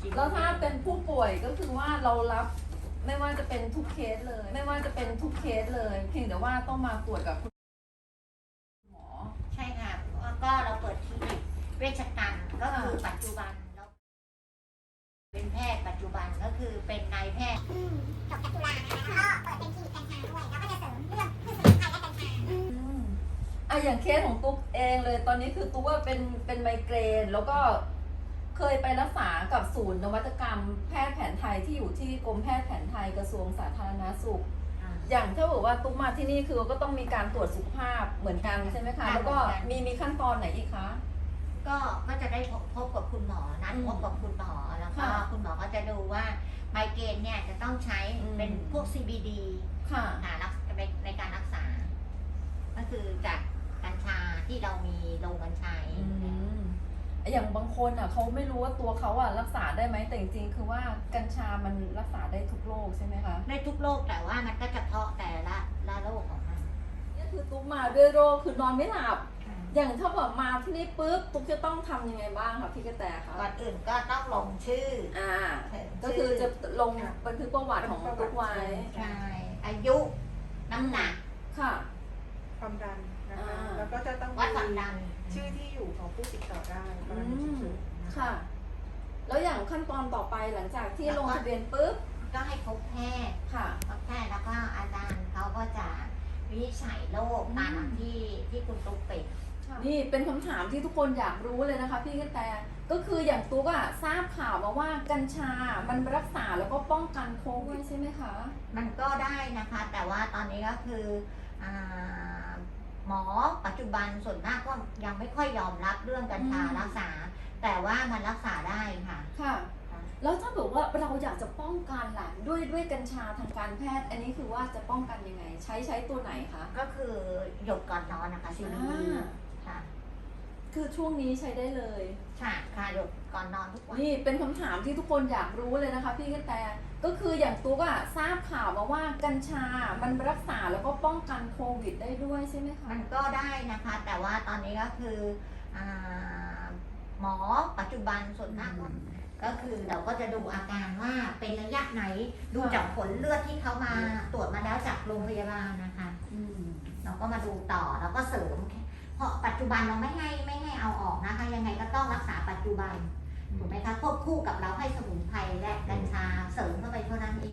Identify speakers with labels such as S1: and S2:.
S1: กิน
S2: แล้วถ้าเป็นผู้ป่วยก็คือว่าเรารับไม่ว่าจะเป็นทุกเคสเลย ไม่ว่าจะเป็นทุกเคสเลยเพียงแต่ว่าต้องมาตรวจกับคุณหมอ
S3: ใช่ค่ะก็เราเปิดคลินิกเวชกรรมก็คือปัจจุบันเราเป็นแพทย์ปัจจุบันก็คือเป็นนายแพทย์
S4: จบจากจุฬานะคะแล้วก็เปิดเป็นคลินิกกัญชาด้วย แล้วก็จะเสริมเรื่องพืชสมุนไพรและกัญชา
S2: อย่างเคสของตุ๊กเองเลยตอนนี้คือตุ๊กว่าเป็นไมเกรนแล้วก็เคยไปรักษากับศูนย์นวัตกรรมแพทย์แผนไทยที่อยู่ที่กรมแพทย์แผนไทยกระทรวงสาธารณสุข อย่างถ้าบอกว่าตุ๊กมาที่นี่คือก็ต้องมีการตรวจสุขภาพเหมือนกันใช่ไหมคะแล้วก็มีขั้นตอนไหนอีกคะ
S3: ก็จะได้พบกับคุณหมอนัดพบกับคุณหมอแล้วก็คุณหมอก็จะดูว่าไมเกรนเนี่ยจะต้องใช้เป็นพวก CBD
S2: ค่ะ
S3: ในการรักษา ก็คือจากกัญชาที่เรามีโรงกัญชาเอง
S2: อย่างบางคนอ่ะเขาไม่รู้ว่าตัวเขาอ่ะรักษาได้ไหมแต่จริงๆคือว่ากัญชามันรักษาได้ทุกโรคใช่ไหมคะ
S3: ได้ทุกโรคแต่ว่ามันก็เฉพาะแต่ละโรคของมัน
S2: นี่คือตุ๊กมาด้วยโรคคือนอนไม่หลับ อย่างถ้าแบบมาที่นี่ปุ๊บตุ๊กจะต้องทำยังไงบ้างคะพี่กระแตคะ
S3: ก่อนอื่นก็ต้องลงชื่อ
S2: ก็คือจะลงบันทึกประวัติของตุ๊กไว้
S3: ใช่อายุน้ำหนัก
S2: ค่ะ
S1: ความดันนะคะ แล้วก็จะต้อง
S3: วัดความดัน
S1: ชื่อที่อยู่ของผู้ติดต่อได้กรณีฉุกเฉินนะคะ
S2: ค่ะ แล้วอย่างขั้นตอนต่อไปหลังจากที่ลงทะเบียนปุ๊บ
S3: ก็ให้พบแพทย์
S2: ค่ะ
S3: พบแพทย์แล้วก็อาจารย์เขาก็จะวินิจฉัยโรคตามที่คุณตุ๊กเป็น
S2: นี่เป็นคำถามที่ทุกคนอยากรู้เลยนะคะพี่กระแตก็คืออย่างตุ๊กอะทราบข่าวมาว่ากัญชา มันรักษาแล้วก็ป้องกันโควิดใช่ไหมคะ
S3: มันก็ได้นะคะ แต่ว่าตอนนี้ก็คือหมอปัจจุบันส่วนมากก็ยังไม่ค่อยยอมรับเรื่องกัญชารักษา แต่ว่ามันรักษาได้ค่ะ
S2: ค่ะ แล้วถ้าบอกว่าเราอยากจะป้องกันล่ะด้วยกัญชาทางการแพทย์ อันนี้คือว่าจะป้องกันยังไง ใช้ตัวไหนคะ
S3: ก็คือหยดก่อนนอนนะคะซีรีค่ะ
S2: คือช่วงนี้ใช้ได้เลย
S3: ค่ะหยดก่อนนอนทุกวัน
S2: นี่เป็นคำถามที่ทุกคนอยากรู้เลยนะคะพี่กระแตก็คืออย่างตุ๊กอะทราบข่าวมาว่ากัญชา มันรักษาแล้วก็ป้องกันโควิดได้ด้วยใช่ไหมคะ
S3: มันก็ได้นะคะ แต่ว่าตอนนี้ก็คือหมอปัจจุบันส่วนมากก็คือเราก็จะดูอาการว่าเป็นระยะไหนดูจากผลเลือดที่เขามาตรวจมาแล้วจากโรงพยาบาลนะคะเราก็มาดูต่อแล้วก็เสริมเพราะปัจจุบันเราไม่ให้เอาออกนะคะยังไงก็ต้องรักษาปัจจุบันถูกไหมคะควบคู่กับเราให้สมุนไพรและกัญชาเสริมเข้าไปเท่านั้นเอง